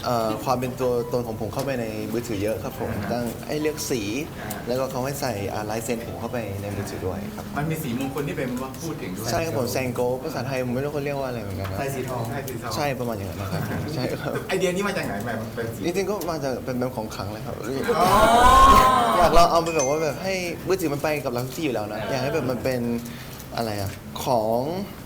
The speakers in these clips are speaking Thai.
ความเป็นตัวตนของผมเข้าไปในมือถือเยอะครับผมตั้งให้เลือกสีแล้วก็เขาให้ใส่ลายเซ็นผมเข้าไปในมือถือด้วยครับมันมีสีมงคลที่เป็นว่าพูดถึงด้วยใช่ครับผมแซงโกภาษาไทยผมไม่รู้เขาเรียกว่าอะไรเหมือนกันนะใส่สีทองใช่ประมาณอย่างนั้นนะครับใช่ครับไอเดียนี้มาจากไหนแบบเป็นสีจริงๆก็มาจากเป็นแบบของขลังเลยครับอยากเราเอาไปแบบว่าแบบให้มือถือมันไปกับเราทุกที่อยู่แล้วนะอยากให้แบบมันเป็นอะไรอะของ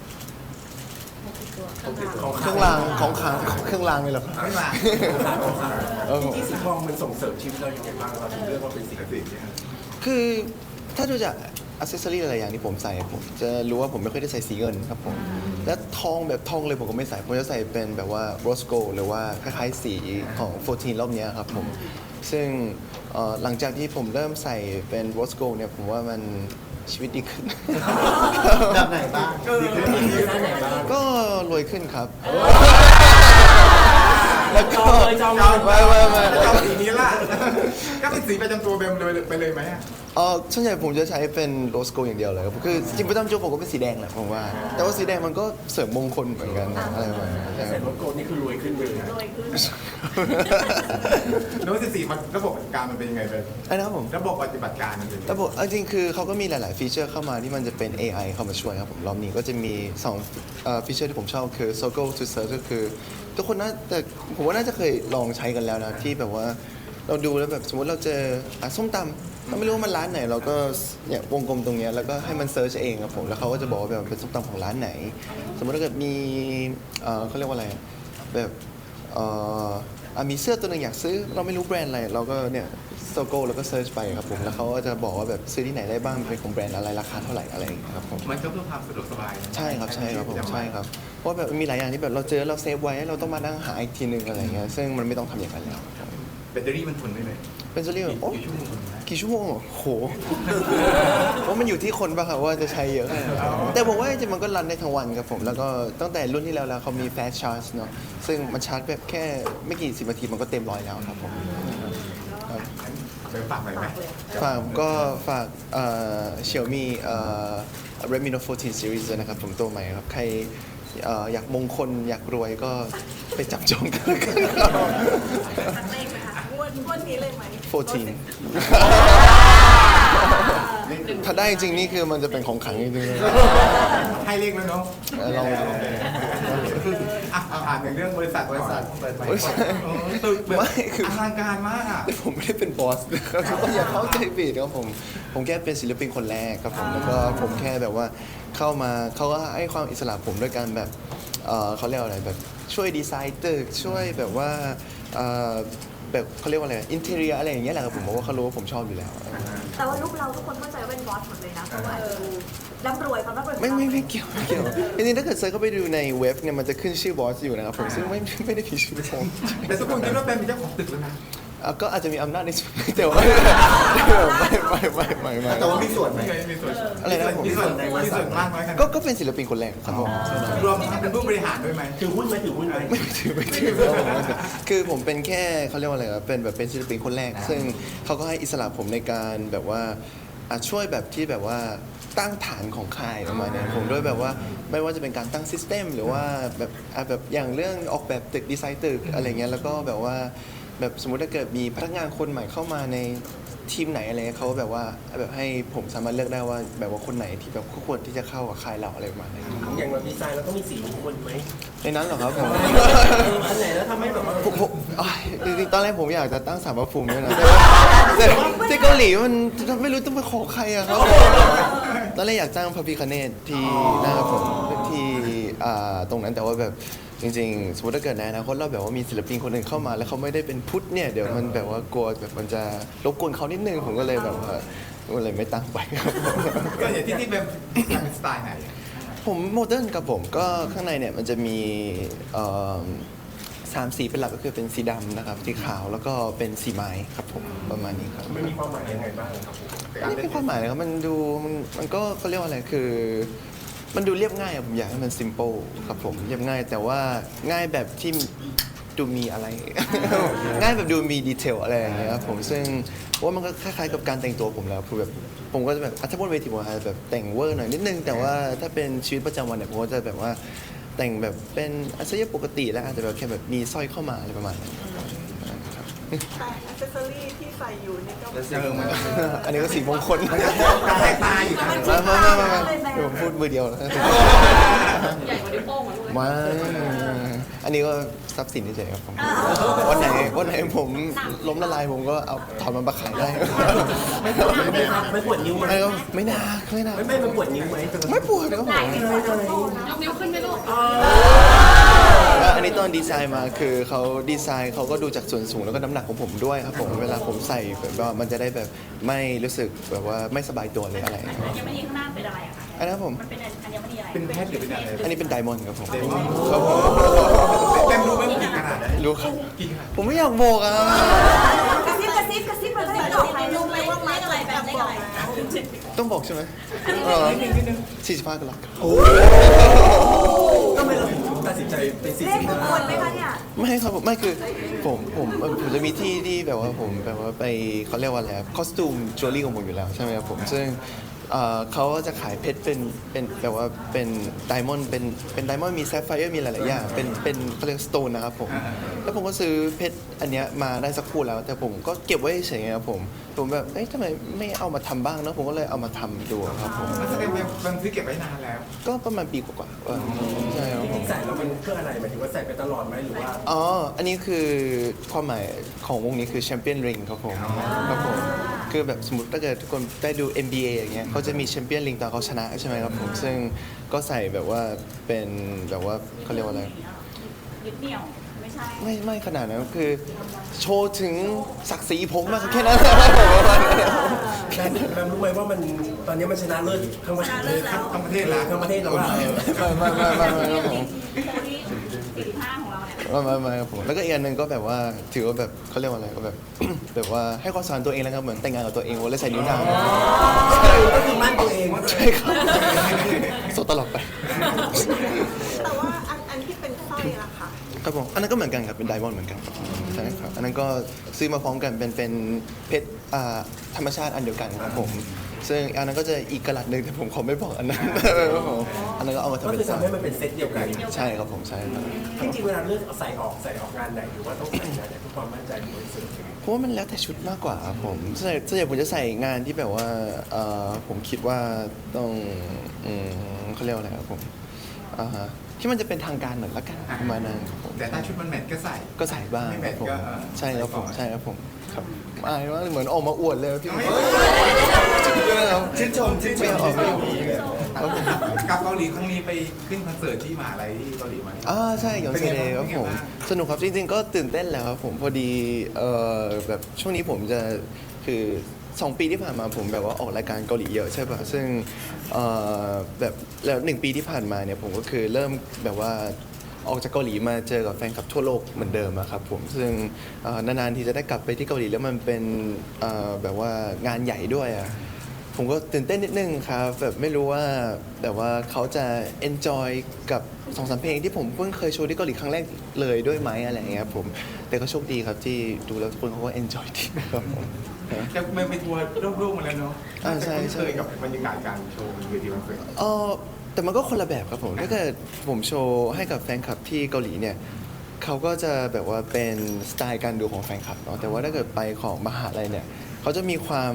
เครื่องรางของขลังเครื่องรางเลยเหรอครับไม่มาจริงๆสีทองมันส่งเสริมชีวิตเราอย่างไรบ้างเราถึงเลือกว่าเป็นสีนี้คือถ้าดูจากอัซเซสซอรี่หลายๆอย่างที่ผมใส่ผมจะรู้ว่าผมไม่ค่อยได้ใส่สีเงินครับผมและทองแบบทองเลยผมก็ไม่ใส่ผมจะใส่เป็นแบบว่าโรสโกหรือว่าคล้ายๆสีของ14รอบนี้ครับผมซึ่งหลังจากที่ผมเริ่มใส่เป็นโรสโกเนี่ยผมว่ามันชีวิตดีขึ้นแบบไหนบ้างดีขึ้นด้านไหนบ้างก็รวยขึ้นครับ แล้วก็ไม่จองสีนี้ละก็เป็นสีประจำตัวเบมเลยไปเลยไหมอ่ะส่วนใหญ่ผมจะใช้เป็นโรสโกอย่างเดียวเลยครับคือจริงๆประจำตัวผมก็เป็นสีแดงแหละผมว่า แต่ว่าสีแดงมันก็เสริมมงคลเหมือนกันนะอะไรประมาณนั้นใส่รถโกนนี่คือรวยขึ้นเลยนะโน้ต14มันระบบปฏิบัติการมันเป็นยังไงเป็นไอ้นะครับผมระบบปฏิบัติการมันเป็นยังไงระบบจริงๆคือเขาก็มีหลายๆฟีเจอร์เข้ามาที่มันจะเป็น AI เข้ามาช่วยครับผมรอบนี้ก็จะมี2ฟีเจอร์ที่ผมชอบคือ Circle to Search ก็คือทุกคนน่าแต่ผมว่าน่าจะเคยลองใช้กันแล้วนะที่แบบว่าเราดูแล้วแบบสมมติเราเจอส้มตำเราไม่รู้ว่ามันร้านไหนเราก็เนี่ยวงกลมตรงเนี้ยแล้วก็ให้มันเซิร์ชเองครับผมแล้วเขาก็จะบอกว่าแบบเป็นส้มตำของร้านไหน สมมติถ้าเกิดมีเขาเรียกว่าอะไรแบบมีเสื้อตัวหนึ่งอยากซื้อเราไม่รู้แบรนด์อะไรเราก็เนี่ยโซโก้แล้วก็เซิร์ชไปครับผมแล้วเขาก็จะบอกว่าแบบซื้อที่ไหนได้บ้างเป็นของแบรนด์อะไรราคาเท่าไหร่อะไรอย่างเงี้ยครับผมมันก็เพื่อความสะดวกสบายนะใช่ครับใช่ครับผมใช่ครับเพราะแบบมีหลายอย่างที่แบบเราเจอเราเซฟไว้เราต้องมานั่งหาอีกทีหนึ่งอะไรเงี้ยซึ่งมันไม่ต้องทำอย่างนั้นแล้วครับแบตเตอรี่มันทนได้เลยเป็นซีรีส์โอ้กี่ชั่วโมงนะกี่ชั่วโมงเหรอโหว่ามันอยู่ที่คนป่ะครับว่าจะใช้เยอะแค่ไหนแต่ผมว่าจริงๆมันก็รันได้ทั้งวันครับผมแล้วก็ตั้งแต่รุ่นที่แล้วเขามี fast charge เนาะซึ่งมันชาร์จแบบแค่ไม่กี่สิบนาทีมันก็เต็มร้อยแล้วครับผมครับไปฝากหน่อยไหมฝากXiaomi Redmi Note 14 Series ด้วยนะครับผมตัวใหม่ครับใครอยากมงคลอยากรวยก็ไปจับจองกันแล้วกันครับสักเลขไหมคะงวดนี้เลยไหม 14 ถ้าได้จริงนี่คือมันจะเป็นของขลังจริงๆเลยให้เลขแล้วเนาะลองดูอ่านถึงเรื่องบริษัทเปิดใหม่ไม่ใช่ตึกแบบไม่คืออลังการมากอ่ะผมไม่ได้เป็นบอสนะครับก็อย่าเข้าใจผิดครับผมแค่เป็นศิลปินคนแรกครับผมแล้วก็ผมแค่แบบว่าเข้ามาเขาก็ให้ความอิสระผมด้วยการแบบเขาเรียกว่าอะไรแบบช่วยดีไซน์ตึกช่วยแบบว่าแบบเขาเรียกว่าอะไรอินเทอร์เนียอะไรอย่างเงี้ยแหละครับผมเพราะว่าเขารู้ว่าผมชอบอยู่แล้วแต่ว่าลูกเราทุกคนเข้าใจว่าเป็นบอสหมดเลยนะเพราะว่าร่ำรวยความร่ำรวยของไม่เกี่ยวจริงๆถ้าเกิดเซิร์ชเข้าไปดูในเว็บเนี่ยมันจะขึ้นชื่อบอสอยู่นะครับผมซึ่งไม่ได้มีชื่อผมแต่ทุกคนคิดว่าเป็นเจ้าของตึกแล้วนะก็อาจจะมีอำนาจในส่วนแต่ว่าไม่แต่ว่ามีส่วนไหมมีส่วนอะไรนะผมมีส่วนมากน้อยขนาดก็เป็นศิลปินคนแรกครับผมรวมทั้งเป็นผู้บริหารด้วยไหมถือหุ้นไหมถือหุ้นไหมไม่ถือคือผมเป็นแค่เขาเรียกว่าอะไรครับเป็นแบบเป็นศิลปินคนแรก ซึ่งเขาก็ให้อิสระผมในการแบบว่าช่วยแบบที่แบบว่าตั้งฐานของค่ายประมาณนี้ผมด้วยแบบว่าไม่ว่าจะเป็นการตั้งซิสเต็มหรือว่าแบบอย่างเรื่องออกแบบตึกดีไซน์ตึกอะไรเงี้ยแล้วก็แบบว่าแบบสมมุติถ้าเกิดมีพนักงานคนใหม่เข้ามาในทีมไหนอะไรเงี้ยเขาแบบว่าแบบให้ผมสามารถเลือกได้ว่าแบบว่าคนไหนที่แบบควรที่จะเข้ากับค่ายเราอะไรประมาณนี้อย่างเราดีไซน์เราต้องมีสีมงคลไหมในนั้นเหรอครับผมอันไหนแล้วทำให้แบบว่าผมจริงๆตอนแรกผมอยากจะตั้งศาลพระภูมิด้วยนะแต่ที่เกาหลีมันไม่รู้ต้องไปขอใครอะครับตอนแรกอยากจ้างพระพิคเนตที่หน้าผมที่ตรงนั้นแต่ว่าแบบจริงๆสมมติถ้าเกิดในอนาคตเราแบบว่ามีศิลปินคนหนึ่งเข้ามา แล้วเขาไม่ได้เป็นพุทธเนี่ยเดี๋ยวมันแบบว่ากลัวแบบมันจะรบกวนเขานิดนึงผมก็เลยแบบว่าก็เลยไม่ตั้งไปครับก็อย่างที่เป็นสไตล์ไหนผมโมเดิร์นครับผมก็ข้างในเนี่ยมันจะมี3 สีเป็นหลักก็คือเป็นสีดำนะครับสีขาวแล้วก็เป็นสีไม้ครับผมประมาณนี้ครับมันมีความหมายยังไงบ้างครับผมไม่เป็นความหมายเลยครับมันดูมันก็เขาเรียกว่าอะไรคือ มันดูเรียบง่ายอะผมอยากให้มัน simple ครับผมเรียบง่ายแต่ว่าง่ายแบบที่ดูมีอะไร ง่ายแบบดูมีดีเทลอะไรอย่างเงี้ยครับผมซึ่งว่ามันก็คล้ายๆกับการแต่งตัวผมแล้วคือแบบผมก็จะแบบถ้าบนเวทีผมอาจจะแบบแต่งเวอร์หน่อยนิดนึงแต่ว่าถ้าเป็นชีวิตประจำวันเนี่ยผมก็จะแบบว่าแต่งแบบเป็นอาชีพปกติแล้วอาจจะแบบแค่แบบมีสร้อยเข้ามาอะไรประมาณนั้นครับแต่อัซเซอรี่ที่ใส่อยู่นี่ก็มันอันนี้ก็สีมงคลแทกตาอยู่นะมาเดี๋ยวผมพูดมือเดียวนะใหญ่กว่านิ้วโป้งอ่ะลูกมาอันนี้ก็ทรัพย์สินเฉยๆครับผมวันไหนผมล้มละลายผมก็เอาถอนมันมาขายได้ไม่ปวดนิ้วไหมไม่ก็ไม่นาไม่นาไม่มันปวดนิ้วไหมไม่ปวดครับผมยกนิ้วขึ้นไหมลูกแล้วอันนี้ตอนดีไซน์มาคือเขาดีไซน์เขาก็ดูจากส่วนสูงแล้วก็น้ำหนักของผมด้วยครับผมเวลาผมใส่แบบว่ามันจะได้แบบไม่รู้สึกแบบว่าไม่สบายตัวเลยอะไรอัญมณีข้างหน้าเป็นอะไรอะคะอันนั้นผมมันเป็นอัญมณีอะไรเป็นเพชรหรือเป็นอะไรอันนี้เป็นไดมอนด์ครับผมเต็มครับผมเต็มรู้ไหมว่ากี่ขนาดรู้ครับกี่ขนาดผมไม่อยากบอกอ่ะกระซิบกระซิบกระซิบมาเลยต่อไปรู้ไหมว่าเลขอะไรแบบเลขอะไรต้องบอกใช่ไหม45กรัตครับทำไมเราถึงตัดสินใจเป็นเลขมงคลไหมคะเนี่ยไม่ครับผมไม่คือผมจะมีที่ที่แบบว่าผมแบบว่าไปเขาเรียกว่าอะไรคอสตูมจิวเวลรี่ของผมอยู่แล้วใช่ไหมครับผมซึ่งเขาจะขายเพชรเป็นแบบว่าเป็นไดมอนด์เป็นไดมอนด์มีแซฟไฟร์มีหลายๆอย่างเป็นเขาเรียกสโตนนะครับผมแล้วผมก็ซื้อเพชรอันเนี้ยมาได้สักคู่แล้ว แต่ผมก็เก็บไว้เฉยๆครับผมแบบเอ๊ะทำไมไม่เอามาทำบ้างเนอะผมก็เลยเอามาทำดูครับผมมันแสดงว่ามันซื้อเก็บไว้นานแล้วก็ประมาณปีกว่าๆใช่ครับจริงๆใส่แล้วมันเพื่ออะไรหมายถึงว่าใส่ไปตลอดไหมหรือว่าอ๋อ อันนี้คือความหมายของวงนี้คือแชมเปี้ยนริงครับผมครับผม คือแบบสมมติถ้าเกิดทุกคนได้ดู NBA อย่างเงี้ยเขาจะมีแชมเปี้ยนริงตอนเขาชนะใช่ไหมครับผม ซึ่งก็ใส่แบบว่าเป็นแบบว่าเขาเรียกว่าอะไรยึดเหนี่ยวไม่ใช่ไม่ขนาดนั้นคือโชว์ถึงศักดิ์ศรีผมมากแค่นั้นแหละครับผมประมาณนั้นแบมรู้ไหมว่ามันตอนนี้มันชนะเลิศทั้งประเทศเลยทั้งประเทศแล้วทั้งประเทศแล้วว่าไม่ครับผมโคที่45ของเราเนี่ยไม่ครับผมแล้วก็อีกอันหนึ่งก็แบบว่าถือว่าแบบเขาเรียกว่าอะไรก็แบบ แบบว่าให้ความสำคัญตัวเองแล้วครับเหมือนแต่งงานกับตัวเองวันเลยใส่นิ้วนางก็คือมั่นตัวเองใช่ครับโซตลอดไปแต่ว่าอันที่เป็นสร้อยล่ะค่ะครับผมอันนั้นก็เหมือนกันครับเป็นไดมอนด์เหมือนกันครับใช่ครับอันนั้นก็ซื้อมาพร้อมกันเป็นเพชรธรรมชาติอันเดียวกันครับผมซึ่งอันนั้นก็จะอีกกระลัดหนึ่งแต่ผมขอไม่บอกอันนั้นครับผมอันนั้นก็เอามาทำก็เป็นคือสร้อทำยให้มันเป็นเซตเดียวกันใช่ครับผมใช่ครับจริงๆเวลาเลือกใส่ออกงานไหนหรือว่าต้องใส่งานไหนเพื่อความมั่นใจของบริษัทเพราะว่ามันแล้วแต่ชุดมากกว่าครับผมส่วนใหญ่ผมจะใส่งานที่แบบว่าผมคิดว่าต้องเขาเรียกว่าอะไรครับผมที่มันจะเป็นทางการหน่อยละกันประมาณนั้นครับผมแต่ถ้าชุดมันแมทก็ใส่ก็ใส่บ้างไม่คแมรับทผมก็ใช่ครับผมใช่ครับผมครับอายมากเลยเหมือนออกมาอวดเลยพี่ชื่นชมไม่ออกไม่ออกกับเกาหลีครั้งนี้ไปขึ้นคอนเสิร์ตที่มหาลัยที่เกาหลีมาใช่หยองเซเดย์ครับผมสนุกครับจริงๆก็ตื่นเต้นแล้วครับผมพอดีแบบช่วงนี้ผมจะคือ2 ปีที่ผ่านมาผมแบบว่าออกรายการเกาหลีเยอะใช่ป่ะซึ่งแบบแล้ว1 ปีที่ผ่านมาเนี่ยผมก็คือเริ่มแบบว่าออกจากเกาหลีมาเจอกับแฟนคลับทั่วโลกเหมือนเดิมอะครับผมซึ่งนานๆทีจะได้กลับไปที่เกาหลีแล้วมันเป็นแบบว่างานใหญ่ด้วยอะผมก็ตื่นเต้นนิดนึงครับแบบไม่รู้ว่าแบบว่าเขาจะ enjoy กับ2-3 เพลงที่ผมเพิ่งเคยโชว์ที่เกาหลีครั้งแรกเลยด้วยไหมอะไรอย่างเงี้ยครับผมแต่ก็โชคดีครับที่ดูแล้วทุกคนเขาก็ enjoy ดีครับผมจะไปทัวร์โลกๆมาแล้วเนาะใช่จะคุ้นเคยกับบรรยากาศการโชว์เวทีคอนเสิร์ตแต่มันก็คนละแบบครับผมถ้าเกิดผมโชว์ให้กับแฟนคลับที่เกาหลีเนี่ยเขาก็จะแบบว่าเป็นสไตล์การดูของแฟนคลับเนาะแต่ว่าถ้าเกิดไปของมหาลัยเนี่ยเขาจะมีความ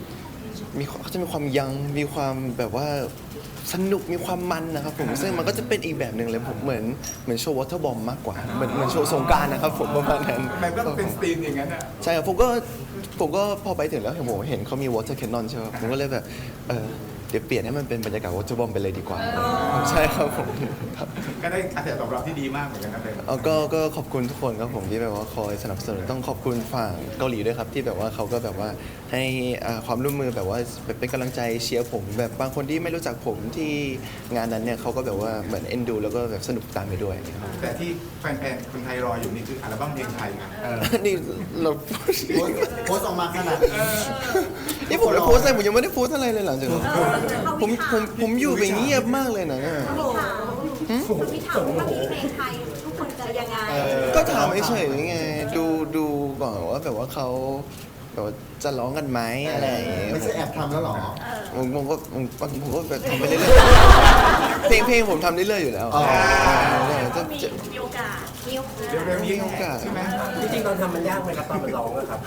ยังมีความแบบว่าสนุกมีความมันนะครับผมซึ่งมันก็จะเป็นอีกแบบหนึ่งเลยผมเหมือนโชว์วอเตอร์บอมมากกว่าเหมือนโชว์สงกรานต์นะครับผมประมาณนั้นมันก็เป็นสตรีมอย่างนั้นอ่ะใช่ครับผมก็พอไปถึงแล้วเห็นเขามี water cannon ใช่ไหมผมก็เลยแบบเดี๋ยวเปลี่ยนให้มันเป็นบรรยากาศ water bomb ไปเลยดีกว่าใช่ครับผมครับก็ได้กระแสตอบรับที่ดีมากเหมือนกันนะเบมก็ขอบคุณทุกคนครับผมที่แบบว่าคอยสนับสนุนต้องขอบคุณฝั่งเกาหลีด้วยครับที่แบบว่าเขาก็แบบว่าให้ความร่วมมือแบบว่าแบบเป็นกำลังใจเชียร์ผมแบบบางคนที่ไม่รู้จักผมที่งานนั้นเนี่ยเขาก็แบบว่าเหมือนเอ็นดูแล้วก็แบบสนุกตามไปด้วยแต่ที่แฟนๆคนไทยรออยู่นี่คืออัลบั้มเพลงไทยนะนี่เราโพสต์ออกมาขนาดนี้นี่ผมจะโพสต์อะไรผมยังไม่ได้โพสต์อะไรเลยหลังจากนั้นผมอยู่แบบเงียบมากเลยนะเนี่ยพี่ถามว่ามีเพลงไทยทุกคนจะยังไงก็ถามเฉยๆไงดูก่อนว่าแบบว่าเขาแบบว่าจะร้องกันไหมอะไรอย่างเงี้ยไม่ใช่แอบทำแล้วหรอผมก็แบบทำไปเรื่อยๆเพลงผมทำเรื่อยๆอยู่แล้วอ๋อจะมีโอกาสเร็วๆนี้มีโอกาสใช่ไหมจริงๆตอนทำมันยากไหมครับตอนมันร้องอะครับ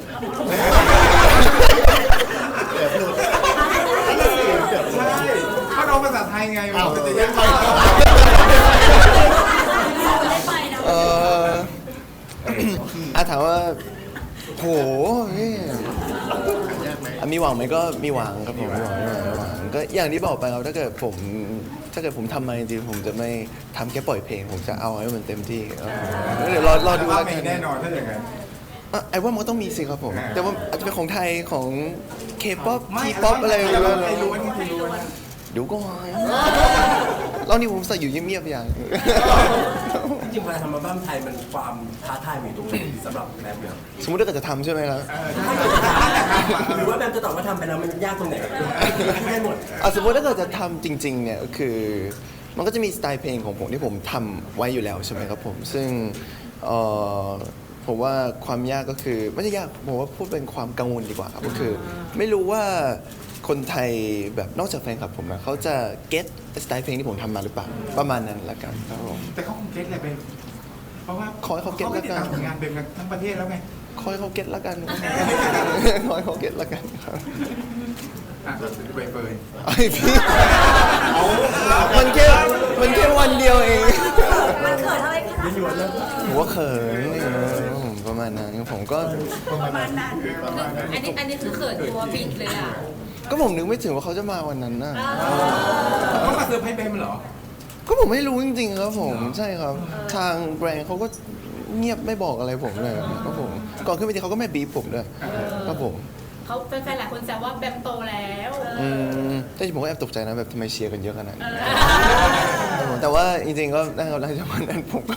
ใช่เขาร้องภาษาไทยไงอ้าวมันจะยัยาง กไงได้ไปนะเออถามว่าโหมีหวังไหมก็มีหวังครับผมมีหวังก็อย่างที่บอกไปครับถ้าเกิดผมทำมาจริงๆผมจะไม่ทำแค่ปล่อยเพลง ผมจะเอาให้มันเต็มที่ครับผมเดี๋ยวรอดูว่าแล้วมีกันแน่นอนถ้าอย่างนั้นไอ้ว่ามันก็ต้องมีสิครับผมอ่าแต่ว่าอาจจะเป็นของไทยของเคป๊อปไม่ทีป๊อปอะไรไม่ไม่รู้ไม่รู้ไม่รู้นะเดี๋ยวก่อนรอบนี้ผมใส่อยู่เงียบๆอย่างจริงๆเวลาทำอัลบั้มไทยมันความท้าทายมันอยู่ตรงไหนสำหรับแบมเนี่ยสมมติถ้าเกิดจะทำใช่ไหมครับหรือว่าแบมจะตอบว่าทำไปแล้วมันยากตรงไหนได้หมดสมมติถ้าเกิดจะทำจริงๆเนี่ยก็คือมันก็จะมีสไตล์เพลงของผมที่ผมทำไว้อยู่แล้วใช่ไหมครับผมซึ่งผมว่าความยากก็คือไม่ใช่ยากผมว่าพูดเป็นความกังวลดีกว่าครับก็คือ ไม่รู้ว่าคนไทยแบบนอกจากแฟนคลับผมนะเขาจะเก็ตสไตล์เพลงที่ผมทำมาหรือเปล่าประมาณนั้นละกันครับผมแต่เขาคงเก็ตแหละเป็นเพราะว่าขอให้เขาเก็ตไม่ติดแล้วกันตามผลงานเบมกันทั้งประเทศแล้วไงคอยเขาเก็ตละกัน คอยเขาเก็ตละกันครับอ่ะใบเฟิร์นไอพี่มันแค่วันเดียวเองมันเกิดอะไรขนาดนั้นผมว่าเขินผมประมาณนั้นผมก็ประมาณนั้นอันนี้คือเขินตัวบิดเลยอ่ะก็ผมนึกไม่ถึงว่าเขาจะมาวันนั้นน่ะเขามาเซอร์ไพรส์เบมเหรอก็ผมไม่รู้จริงๆครับผมใช่ครับ ทางแบรนด์เขาก็เงียบไม่บอกอะไรผมเลยครับผมก่อนขึ้นไปทีเขาก็ไม่บีบผมด้วยครับผมเขาแฟนๆหลายคนแซวว่าแบมโตแล้วแต่ผมก็แอบตกใจนะแบบทำไมเชียร์กันเยอะขนาดนี้แต่ว่าจริงๆก็ได้ครับหลังจากวันนั้นผมก็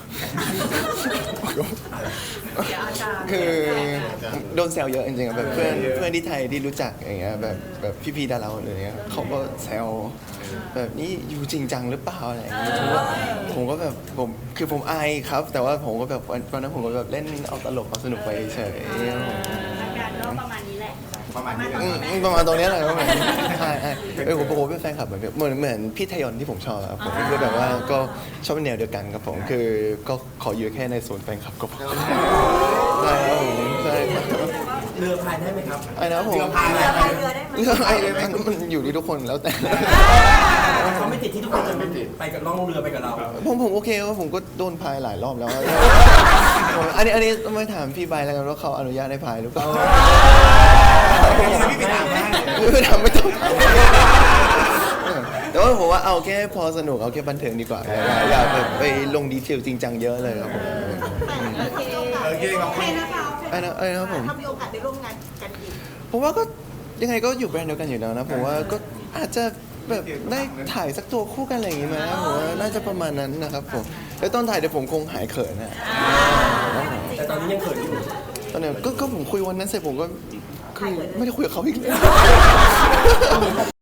เดี๋ยวอาจารย์คือโดนแซวเยอะจริงๆอะแบบเพื่อนที่ไทยที่รู้จักอย่างเงี้ยแบบพี่ๆดาราคนอื่นเงี้ยเขาก็แซวแบบนี้อยู่จริงจังหรือเปล่าอะไรอย่างเงี้ยผมก็แบบผมอายครับ แต่ว่าผมก็แบบวันนั้นผมก็แบบเล่นเอาตลกเอาสนุกไปเฉยอาการก็ประมาณนี้แหละประมาณนี้แหละประมาณตรงเนี้ยแหละครับผมใช่ผมเป็นแฟนคลับเหมือนพี่ทยอนที่ผมชอบครับผมคือแบบว่าก็ชอบเป็นแนวเดียวกันครับผมคือก็ขออยู่แค่ในโซนแฟนคลับก็พอใช่ครับผมใช่ครับเรือพายได้ไหมครับไอ้นะผมเรือพายเรือพายเรือได้ไหมไอ้มันอยู่ที่ทุกคนแล้วแต่เขาไม่ติดที่ทุกคนจะไปกับล่องเรือไปกับเราผมโอเคว่าผมก็โดนพายหลายรอบแล้วอันนี้ต้องไปถามพี่ใบแล้วกันว่าเขาอนุญาตให้พายหรือเปล่าพี่ไปถามได้ไม่ต้องถามแต่ว่าผมว่าเอาแค่พอสนุกเอาแค่บันเทิงดีกว่าอย่าแบบไปลงดีเทลจริงจังเยอะเลยครับผมโอเคขอบโอคุเคณนะคะไอ้นะครับผมถ้ามีโอกาสได้ร่วมงานกันอีกผมว่าก็ยังไงก็อยู่แบรนด์เดียวกันอยู่แล้วนะผมว่าก็อาจจะแบบได้ถ่ายสักตัวคู่กันอะไรอย่างงี้ไหมผมว่าน่าจะประมาณนั้นนะครับผมแล้วตอนถ่ายเดี๋ยวผมคงหายเขินนะแต่ตอนนี้ยังเขินอยู่ตอนนี้ก็ผมคุยวันนั้นเสร็จผมก็คือไม่ได้คุยกับเขาอีกเลย